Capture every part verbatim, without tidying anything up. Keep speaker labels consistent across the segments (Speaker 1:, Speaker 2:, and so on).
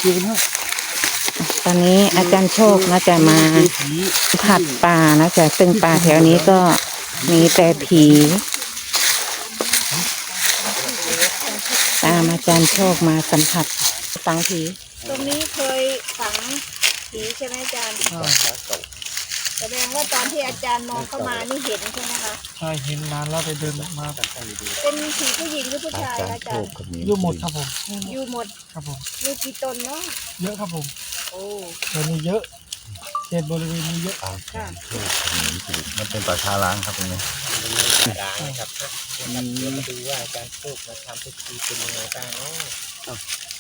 Speaker 1: ตอนนี้อาจารย์โชคนะจะมาผัดป่านะจะซึ่งป่าแถวนี้ก็มีแต่ผีตามอาจารย์โชคมาสัมผัสฝังผี
Speaker 2: ตรงนี้เคยฝังผีใช่ไหมอาจารย์แสดงว่าตอนที่อาจารย์มองเข้ามานี่เห็นใช่ไหมคะ
Speaker 3: ใช่เห็นนานแล้วไปเดินมา
Speaker 2: เป็นผีผู้หญิงหรือผู้ชายอาจารย์
Speaker 3: อยู่หมดครับผม
Speaker 2: อยู่หมด
Speaker 3: ครับผม
Speaker 2: มีกี่ตนเนาะ
Speaker 3: เยอะครับผม
Speaker 2: โอ้
Speaker 3: เดี๋ยวนี้เยอะเขตบริเวณนี้เยอะ
Speaker 2: ค่ะ
Speaker 4: มันเป็นป่าช้าล้างครับตรงนี้
Speaker 5: ล้างนะครับเดี๋ยวมาดูว่าอาจารย์โชคมาทำพิธีเป็นยังไงบ้างเนาะ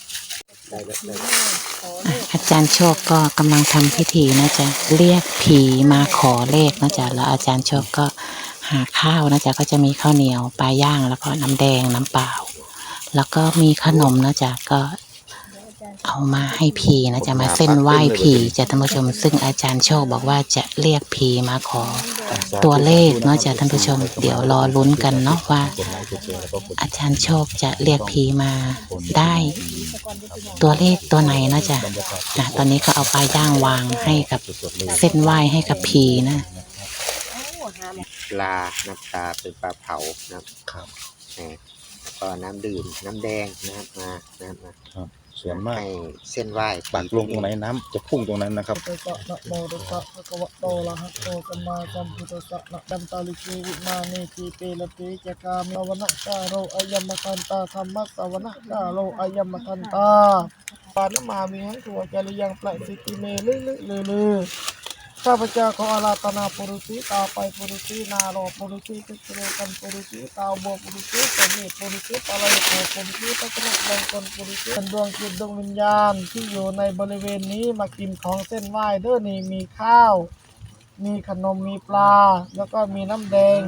Speaker 1: อาจารย์โชคก็กำลังทำพิธีนะจ๊ะเรียกผีมาขอเลขนะจ๊ะแล้วอาจารย์โชคก็หาข้าวนะจ๊ะก็จะมีข้าวเหนียวปลาย่างแล้วก็น้ำแดงน้ำเปล่าแล้วก็มีขนมนะจ๊ะก็เอามาให้ผีนะจ๊ะมาเส้นไหว้ผีจ้ะท่านผู้ชมซึ่งอาจารย์โชคบอกว่าจะเรียกผีมาขอตัวเลขเนาะจ้ะท่านผู้ชมเดี๋ยวรอลุ้นกันเนาะว่าอาจารย์โชคจะเรียกผีมาได้ตัวเลขตัวไหนนะจ๊ะนะตอนนี้ก็เอาปลาย่างวางให้กับเส้นไหว้ให้กับผีนะ
Speaker 5: ปลาน้ำตาเป็นปลาเผานะครับแล้วก็น้ำดื่มน้ำแดงนะครับมานะครับมา
Speaker 4: ส่วนมาก
Speaker 5: ให้เส้นไหว้
Speaker 4: ปักลงตรงไหนน้ำจะพุ่งตรงนั้นนะครับ
Speaker 3: โตนะโมตัสสะภะคะวะโตอะระหะโตสัมมาสัมพุทธัสสะนะดัมตาลิกีวิมาเนทีเตละเตจกามิวนะกาโรอายัมมะคันตาธรรมะสวนะกาโรอายัมมะคันตาปานมามีหังตัวจริยังปลายสิติเมลึลึลึลึข้าพเจ้าขออาราธนาปุรุษีตาไปปุรุษีนาโรปุรุษีติเรกันปุรุษีตาบัวปุรุษีสมิปุรุษีปลายโกปุรุษีตะกรุดแดงคนปุรุษีดวงจิตดวงวิญญาณที่อยู่ในบริเวณนี้มากินของเส้นไหว้เด้อนี่มีข้าวมีขนมมีปลาแล้วก็มีน้ำแดง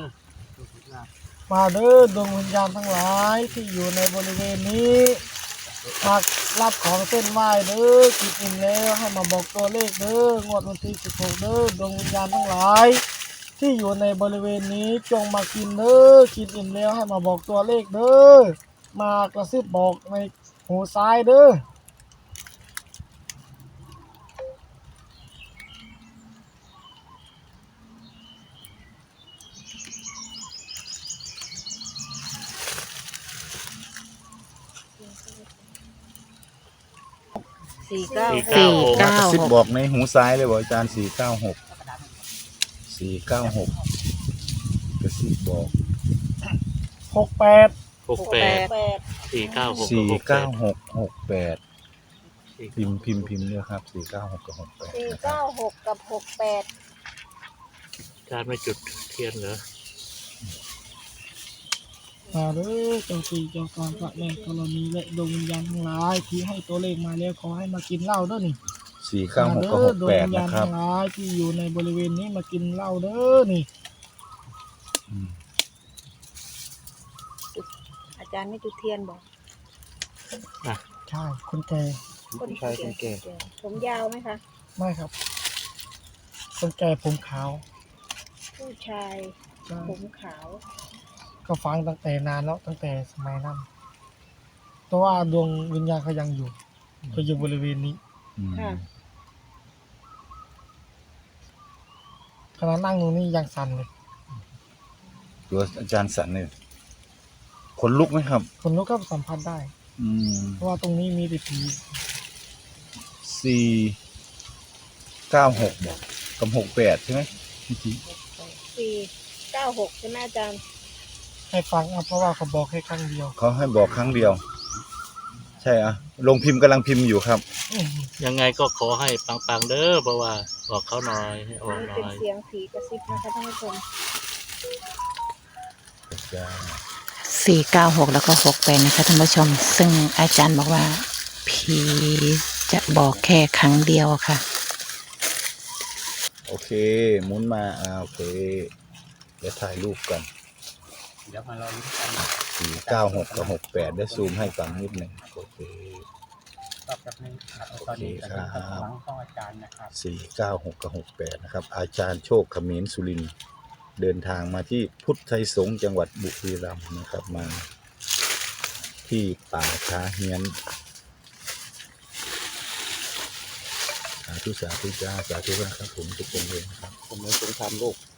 Speaker 3: มาเด้อดวงวิญญาณทั้งหลายที่อยู่ในบริเวณนี้มารับของเส้นไหว้เด้อกินอิ่มแล้วให้มาบอกตัวเลขเด้องวดวันที่สิบหกเด้อดวงวิญญาณทั้งหลายที่อยู่ในบริเวณนี้จงมากินเด้อกินอิ่มแล้วให้มาบอกตัวเลขเด้อมากระซิบบอกในหูซ้ายเด้อ
Speaker 2: สี่เก้า
Speaker 1: สี่
Speaker 4: ก
Speaker 1: เก้า
Speaker 4: ระซิบ
Speaker 1: หก
Speaker 4: บอกในหูซ้ายเลยบอกอาจารย์สี่เก้าหกสี่เก้าหกกระซิบบอก
Speaker 3: หกแปด
Speaker 6: หกแปดสี่เก้าหก
Speaker 4: สี่เก้าหกหกแปดพิมพ์พิมพ์พิมพ์เลยครับสี่เก้าหกกับหกแปด
Speaker 2: สี่เก้าหกกับหกแปด
Speaker 6: การไม่จุดเทียนเหรอ
Speaker 3: มาเด้อเจ้าสี่เจ้าการพระแม่ธรณีและดวงวิญญาณทั้งหลายที่ให้ตัวเลขมาแล้วขอให้มากินเหล้าเด้อนี่
Speaker 4: สี่เก้าหกกับหกแปดนะครับ
Speaker 3: ดวงวิญญาณทั้งหลายที่อยู่ในบริเวณนี้มากินเหล้าเด้อนี่
Speaker 2: อาจารย์ไม่จุดเทียนบอก
Speaker 3: ใช่คนแก่
Speaker 2: คนชายคนแก่ผมยาวไหมคะ
Speaker 3: ไม่ครับคนแก่ผมขาว
Speaker 2: ผู้ชายผมขาว
Speaker 3: ก็ฟังตั้งแต่นานแล้วตั้งแต่สมัยนั้นเพราะว่าดวงวิญญาณเขายังอยู่เขาอยู่บริเวณนี้ขณะนั่งตรงนี้ยังสั่นเลย
Speaker 4: ตัวอาจารย์สั่นเลยขนลุกไหมครับ
Speaker 3: ขนลุกก็สัมผัสได้เพราะว่าตรงนี้มีแต่ผี
Speaker 4: สี่เก้าหกบอกกับหกแปดใช่ไหม
Speaker 2: สี่เก้าหกใช่ไหมอาจารย์
Speaker 3: ให้ฟังเอาเพราะว่าเขาบอกแค่ครั้งเดียว
Speaker 4: เขาให้บอกครั้งเดียวใช่อ่ะลงพิมพ์กำลังพิมพ์อยู่ครับ
Speaker 6: ยังไงก็ขอให้ปังๆเด้อเพราะว่าบอกเขาหน่อยให้ออกหน่อย
Speaker 2: เป็นเสียงผีกระซิบนะคะท่านผู้ชม
Speaker 1: สี่เก้าหกแล้วก็หกแปดนะคะท่านผู้ชมซึ่งอาจารย์บอกว่าผีจะบอกแค่ครั้งเดียวค่ะ
Speaker 4: โอเคหมุนมาอ่าโอเคเดี๋ยวถ่ายรูปก่อน
Speaker 5: เดี๋ยวมาลองกัน
Speaker 4: สี่เก้าหกกับหกแปดได้ซูมให้ฟังนิดหนึ่งโอเค
Speaker 5: ตอบจากนี้โอเค
Speaker 4: ครับสี่เก้าหกกับหกแปดนะครับอาจารย์โชคเขมิ้นสุรินทร์เดินทางมาที่พุทธไทยสงฆ์จังหวัดบุรีรัมย์นะครับมาที่ป่าช้าเฮียนาธุสาธุจ้าสาธุนะครับผมทุกคนเลยนะครับ
Speaker 5: ผมไม่สงครามโลก